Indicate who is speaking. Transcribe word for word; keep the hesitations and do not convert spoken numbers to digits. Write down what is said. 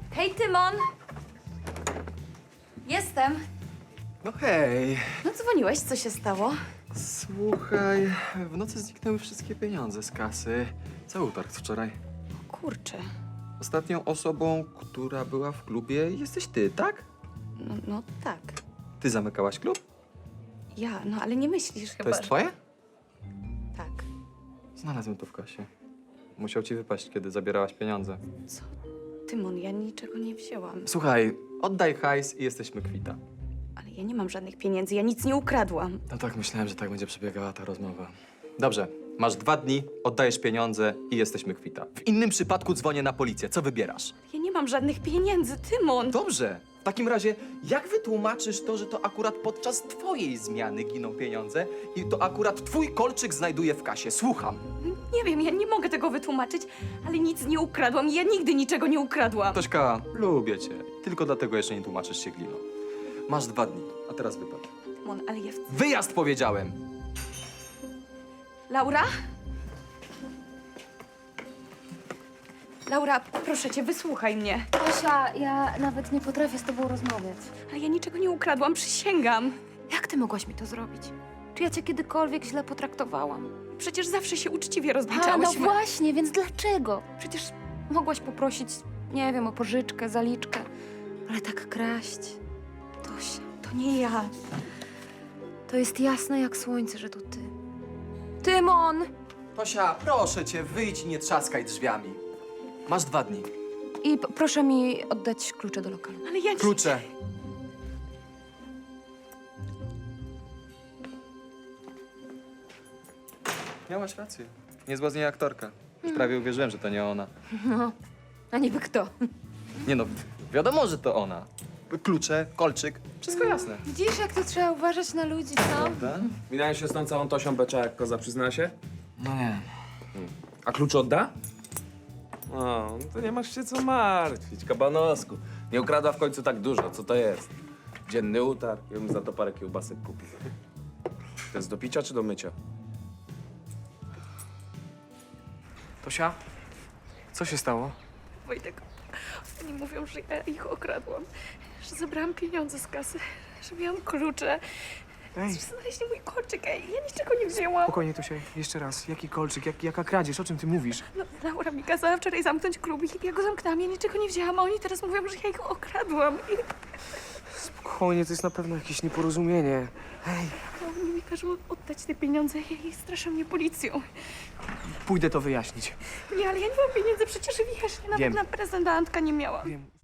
Speaker 1: Hej, Tymon! Jestem.
Speaker 2: No hej,
Speaker 1: No dzwoniłeś, co się stało?
Speaker 2: słuchaj, w nocy zniknęły wszystkie pieniądze z kasy. Cały utarg z wczoraj.
Speaker 1: O kurczę.
Speaker 2: Ostatnią osobą, która była w klubie, jesteś ty, tak?
Speaker 1: No, no tak.
Speaker 2: Ty zamykałaś klub?
Speaker 1: Ja, no ale nie myślisz chyba,
Speaker 2: To jest
Speaker 1: że-
Speaker 2: twoje?
Speaker 1: Tak.
Speaker 2: Znalazłem to w kasie. Musiał ci wypaść, kiedy zabierałaś pieniądze.
Speaker 1: Co? Tymon, ja niczego nie wzięłam.
Speaker 2: Słuchaj, oddaj hajs i jesteśmy kwita.
Speaker 1: Ale ja nie mam żadnych pieniędzy, ja nic nie ukradłam.
Speaker 2: No tak, myślałem, że tak będzie przebiegała ta rozmowa. Dobrze, masz dwa dni, oddajesz pieniądze i jesteśmy kwita. W innym przypadku dzwonię na policję. Co wybierasz?
Speaker 1: Ja nie mam żadnych pieniędzy, Tymon!
Speaker 2: Dobrze. W takim razie, jak wytłumaczysz to, że to akurat podczas twojej zmiany giną pieniądze i to akurat twój kolczyk znajduje w kasie? Słucham.
Speaker 1: Nie wiem, ja nie mogę tego wytłumaczyć, ale nic nie ukradłam i ja nigdy niczego nie ukradłam.
Speaker 2: Tośka, lubię cię. Tylko dlatego jeszcze nie tłumaczysz się gliną. Masz dwa dni, a teraz wypad.
Speaker 1: Tymon, ale ja... w-
Speaker 2: Wyjazd powiedziałem!
Speaker 1: Laura? Laura, proszę cię, wysłuchaj mnie.
Speaker 3: Tosia, ja nawet nie potrafię z tobą rozmawiać.
Speaker 1: Ale ja niczego nie ukradłam, przysięgam.
Speaker 3: Jak ty mogłaś mi to zrobić? Czy ja cię kiedykolwiek źle potraktowałam?
Speaker 1: Przecież zawsze się uczciwie
Speaker 3: A, no
Speaker 1: rozliczałyśmy.
Speaker 3: właśnie, więc dlaczego? Przecież mogłaś poprosić, nie wiem, o pożyczkę, zaliczkę. Ale tak kraść... Tosia,
Speaker 1: To nie ja.
Speaker 3: to jest jasne jak słońce, że to ty. Tymon!
Speaker 2: Tosia, proszę cię, wyjdź i nie trzaskaj drzwiami. Masz dwa dni.
Speaker 3: I p- proszę mi oddać klucze do lokalu.
Speaker 1: Ale ja nie...
Speaker 2: Klucze. Miałaś rację. Niezła z niej aktorka. Już prawie uwierzyłem, że to nie ona.
Speaker 3: No, a niby kto?
Speaker 2: Nie no, wiadomo, że to ona. Klucze, kolczyk, wszystko jasne.
Speaker 3: Widzisz, jak to trzeba uważać na ludzi, co?
Speaker 2: Prawda?
Speaker 4: Minąłem się z tą całą Tosią Becza, jak koza przyzna się?
Speaker 2: No nie.
Speaker 4: A klucz odda? O, no to nie masz się co martwić, kabanosku. Nie ukradła w końcu tak dużo, co to jest? Dzienny utarg, ja bym za to parę kiełbasek kupił. To jest do picia czy do mycia?
Speaker 5: Tosia, co się stało?
Speaker 1: Wojtek, oni mówią, że ja ich okradłam, że zabrałam pieniądze z kasy, że miałam klucze,
Speaker 5: Ej,
Speaker 1: że znaleźli mój kolczyk, ej, ja niczego nie wzięłam.
Speaker 5: spokojnie, Tosia, jeszcze raz. Jaki kolczyk, jak, jaka kradzież, o czym ty mówisz?
Speaker 1: No, Laura mi kazała wczoraj zamknąć klub i ja go zamknęłam, ja niczego nie wzięłam, a oni teraz mówią, że ja ich okradłam. I
Speaker 5: Spokojnie, to jest na pewno jakieś nieporozumienie. Ej,
Speaker 1: oni mi każą oddać te pieniądze i straszą mnie policją.
Speaker 5: pójdę to wyjaśnić.
Speaker 1: Nie, ale ja nie mam pieniędzy, przecież wiesz, ja nawet
Speaker 5: Wiem.
Speaker 1: na prezent do Antka nie miałam.
Speaker 5: Wiem.